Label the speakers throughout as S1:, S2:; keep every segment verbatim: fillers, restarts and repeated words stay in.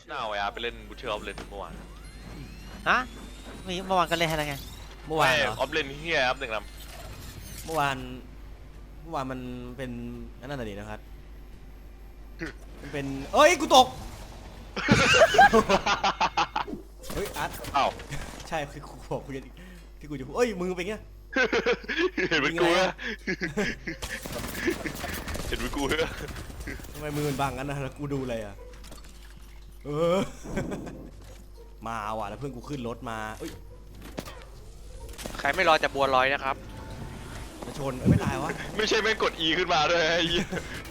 S1: น่าเอาไอ้อาร์ไปเล่นบูเชอร์ออฟเลนเมื่อวาน
S2: ฮะมีเมื่อวานก็เล่นให้แล้วไง
S3: เมื่อวานเหรอ
S1: ออฟเลนเฮียครับหนึ่งล
S3: เมื่อวานเมื่อวานมันเป็นอันนั้นน่ะดินะครับมันเป็นเอ้ยกูตก
S1: ำ
S3: เฮ้ยอาร์ต
S1: อ้าว
S3: ใช่คือกูบอกกูจะที่กูจะพูดเอ้ยมือเป็นไง
S1: เห็นเป็นกูเหรอเห็นเป็นกูเหรอ
S3: ทำไมมือมันบังกันนะแล้วกูดูอะไรอ่ะเออ มาว่ะแล้วเพื่อนกูขึ้นรถมาเอ้ย
S4: ใครไม่รอจะบัวลอยนะครับ
S3: มาชนเอ้ยไม่ตายวะ
S1: ไม่ใช่แม่งกด E ขึ้นมาด้วยไอ้เหี้ย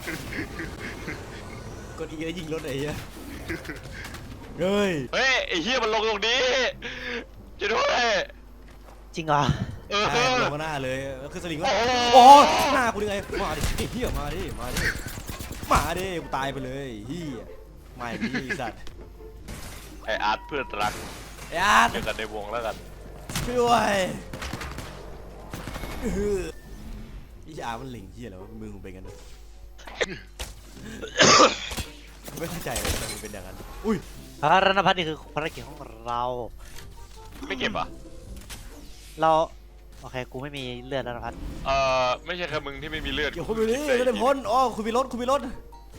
S3: กดอีกแล้วยิงรถไอ้เหี้ยเฮ้ย
S1: เฮ้ยไอ้เฮียมันลงตรงนี้จะด้วย
S2: จริงเหรอ
S1: เออ
S3: ใช่ลงมาหน้าเลยแล้วคือสลิงว่า
S1: โอ้
S3: โอ้หน้ากูยังไงมาดิเฮียมาดิมาดิมาดิกูตายไปเลยเฮียไม่ดิสัตว์
S1: ไออาร์ตเพื่อนรัก
S3: ไอ้อาร์ต
S1: เจอกันในวงแล้วกัน
S3: ช่วยด้วยเออพี่อาร์ตมันเหลิงเฮียแล้วมือมึงเป็นกันนะไม่เข้าใจเลยทำไมมันเป็นอย่างนั้นอุ้ย
S2: พระรณพัฒน์นี่คือภารกิจของเรา
S1: ไม่เก็บอ่ะ
S2: เราโอเคกูไม่มีเลือดแล้วนะพัฒน์
S1: เออไม่ใช่แค่มึงที่ไม่มีเลือด
S3: เกี่ยวคุณไปนี่ไม่ได้พ้นอ๋อคุณมีรถคุณมีรถ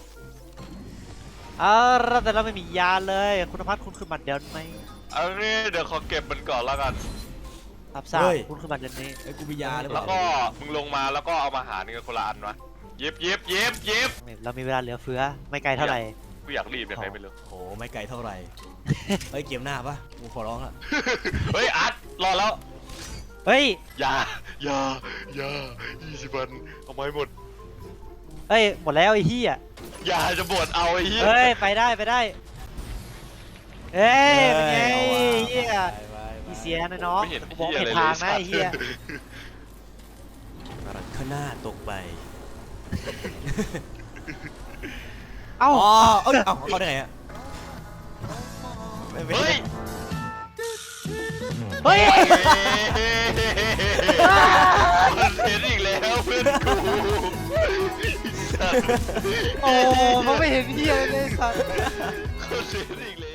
S2: อ่าแต่เราไม่มียาเลยคุณพัฒน์คุณขึ้นมาเดี๋ยวไหม
S1: เอางี้เดี๋ยวขอเก็บมันก่อนแล้วกัน
S2: รับทราบคุณขึ้นมาเดี๋ยวนี้
S3: ไอ้กูมียาหรือเป
S1: แล้ว
S3: ล่า
S1: ก็มึงลงมาแล้วก็เอามาหารกันคนละอันวะเย็บเย็บเย็บเย็บ
S2: เรามีเวลาเหลือเฟือไม่ไกลเท่าไหร่
S1: กูอยากรีบยังไงไม่รู้
S3: โอ้ไม่ไกลเท่าไหร่เฮ้ยเกมหน้าปะกูขอร้องละ
S1: เฮ้ยอาร์ตรอแล้ว
S2: เฮ้ย
S1: อย่าอย่าอย่ายี่สิบวันเอาไม้หมด
S2: เฮ้ยหมดแล้วไอ้เหี้ย
S1: อย่าจะบวชเอาไอ้เหี้ย
S2: เฮ้ยไปได้ไปได้เฮ้ยเป็นไง
S3: อาว่ะ
S2: เหี้ย
S3: ไปไปไป
S2: มีเสียนะน้อง
S1: ไม่เห็น
S2: มอง
S1: เหี้ย
S2: เห็
S1: อะไร
S2: น
S1: เล
S2: ทาย งนะไอ้เหี้ย
S3: รัดข้างหน้าตกไป
S2: เอ้า
S3: อ๋อเอ้ยเอ้าเขาได้ไงอะไม่ไม่
S1: เฮ้ย
S2: เฮ้ย
S1: มันเห็นอีกแล้วเพื่อนกู
S2: โอ้มันไม่เห็นเหี้ยเลยสัตว์
S1: เขาเห็นอีกแล้ว